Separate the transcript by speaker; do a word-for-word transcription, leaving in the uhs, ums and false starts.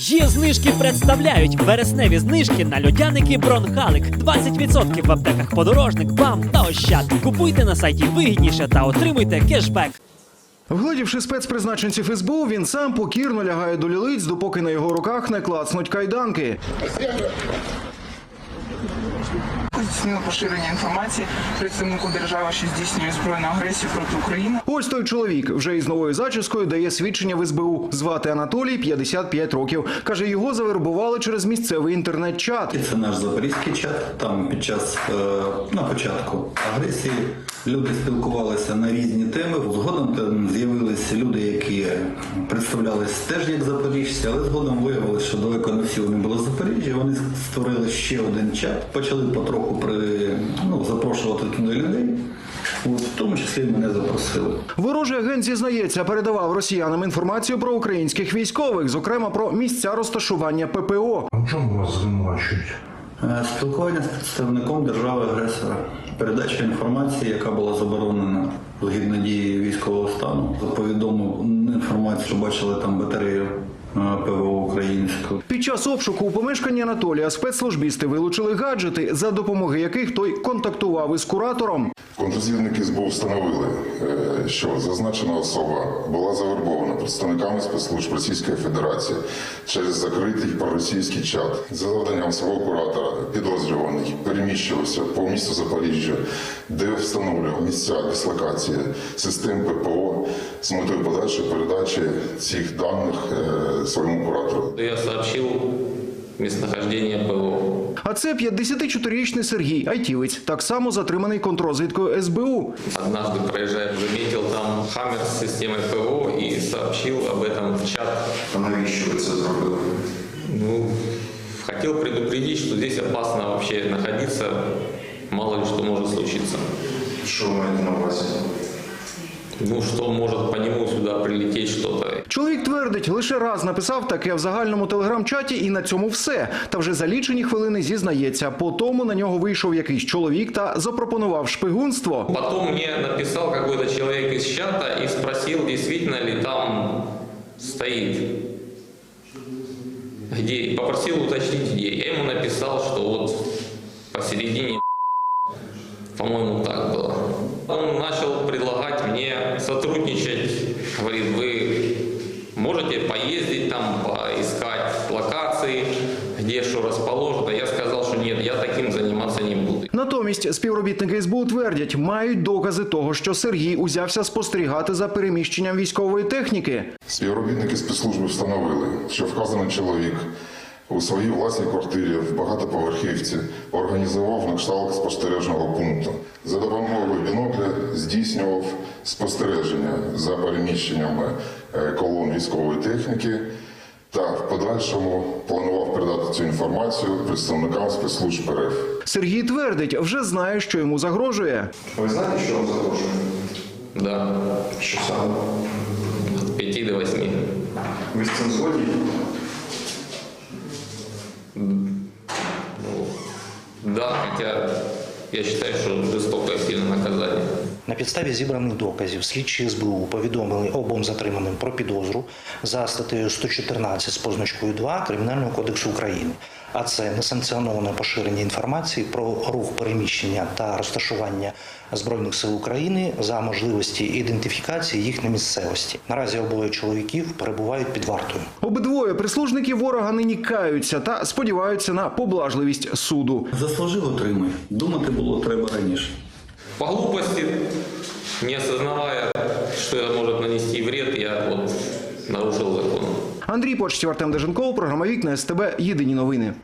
Speaker 1: Є знижки представляють вересневі знижки на льодяники Бронхалик. двадцять відсотків в аптеках Подорожник, БАМ та Ощад. Купуйте на сайті вигідніше та отримуйте кешбек.
Speaker 2: Вгледівши спецпризначенців ес бе у, він сам покірно лягає до лілиць, допоки на його руках не клацнуть кайданки.
Speaker 3: Здійснили поширення інформації представнику держави, що здійснює збройну агресію проти України.
Speaker 2: Ось той чоловік вже із новою зачіскою дає свідчення в ес бе у. Звати Анатолій, п'ятдесят п'ять років. Каже, його завербували через місцевий інтернет-чат.
Speaker 4: Це наш запорізький чат. Там під час, на початку агресії люди спілкувалися на різні теми. Згодом там з'явилися люди, які представлялися теж як запоріжці, але згодом виявилося, що далеко не всі вони були з Запоріжжя. Вони створили ще один чат, почали потроху при, ну, запрошувати туди людей. От, в тому числі мене запросили.
Speaker 2: Ворожий агент зізнається, передавав росіянам інформацію про українських військових, зокрема про місця розташування пе пе о.
Speaker 5: А в чому вас звинувачують?
Speaker 4: Спілкування з представником держави-агресора. Передача інформації, яка була заборонена згідно дії військового стану. Повідомив інформацію, що бачили там батарею пе ве о українську.
Speaker 2: Під час обшуку у помешканні Анатолія спецслужбісти вилучили гаджети, за допомогою яких той контактував із куратором.
Speaker 6: Контррозвідники ес бе у встановили, що зазначена особа була завербована представниками спецслужб Російської Федерації через закритий проросійський чат. За завданням свого куратора підозрюваний переміщувався по місту Запоріжжя, де встановлював місця дислокації систем пе пе о з метою подальшої передачі цих даних своєму куратору.
Speaker 7: Я сообщил местонахождение пе о.
Speaker 2: А це п'ятдесятичотирирічний Сергій, айтівець, так само затриманий контррозвідкою ес бе у.
Speaker 7: Однажды, проезжая, заметил там хаммер с системой пе о и сообщил об этом в чат.
Speaker 5: А навіщо ви це зробили?
Speaker 7: Ну, хотел предупредить, что здесь опасно вообще находиться, мало ли что может случиться.
Speaker 5: Що ви маєте на увазі?
Speaker 7: Ну, что может по нему сюда прилететь что-то.
Speaker 2: Чоловік твердить, лише раз написав таке в загальному телеграм-чаті і на цьому все. Та вже за лічені хвилини зізнається. По тому на нього вийшов якийсь чоловік та запропонував шпигунство.
Speaker 7: Потом мне написал какой-то человек из чата и спросил, действительно ли там стоит. Где? Попросил уточнить, где. Я ему написал, что вот посередине, по-моему, так было. Он начал предлагать мне сотрудничать. Говорит, вы можете поездить там, поискать локации, где что расположено. Я сказал, что нет, я таким заниматься не буду.
Speaker 2: Натомість співробітники ес бе у твердять, мають докази того, що Сергій узявся спостерігати за переміщенням військової техніки.
Speaker 6: Співробітники спецслужби встановили, що вказаний чоловік у своїй власній квартирі в багатоповерхівці організував на кшталт спостережного пункту. За допомогою бінокля здійснював спостереження за переміщеннями колон військової техніки та в подальшому планував передати цю інформацію представникам спецслужб РФ.
Speaker 2: Сергій твердить, вже знає, що йому загрожує.
Speaker 5: Ви знаєте, що вам загрожує?
Speaker 7: Да,
Speaker 5: Що саме?
Speaker 7: от пяти до восьми.
Speaker 5: Ви з цим згодні?
Speaker 7: Да, хотя я считаю, что жестокое сильное наказание.
Speaker 8: На підставі зібраних доказів слідчі ес бе у повідомили обом затриманим про підозру за статтею сто чотирнадцять з позначкою два Кримінального кодексу України. А це несанкціоноване поширення інформації про рух переміщення та розташування Збройних сил України за можливості ідентифікації їх на місцевості. Наразі обоє чоловіків перебувають під вартою.
Speaker 2: Обидвоє прислужники ворога нині каються та сподіваються на поблажливість суду.
Speaker 4: Заслужив, отримай. Думати було треба раніше.
Speaker 7: По глупости, не осознавая, что это может нанести вред, я вот нарушил закон.
Speaker 2: Андрій Почтів, Артем Деженков, програма «Вікна ес те бе», єдині новини.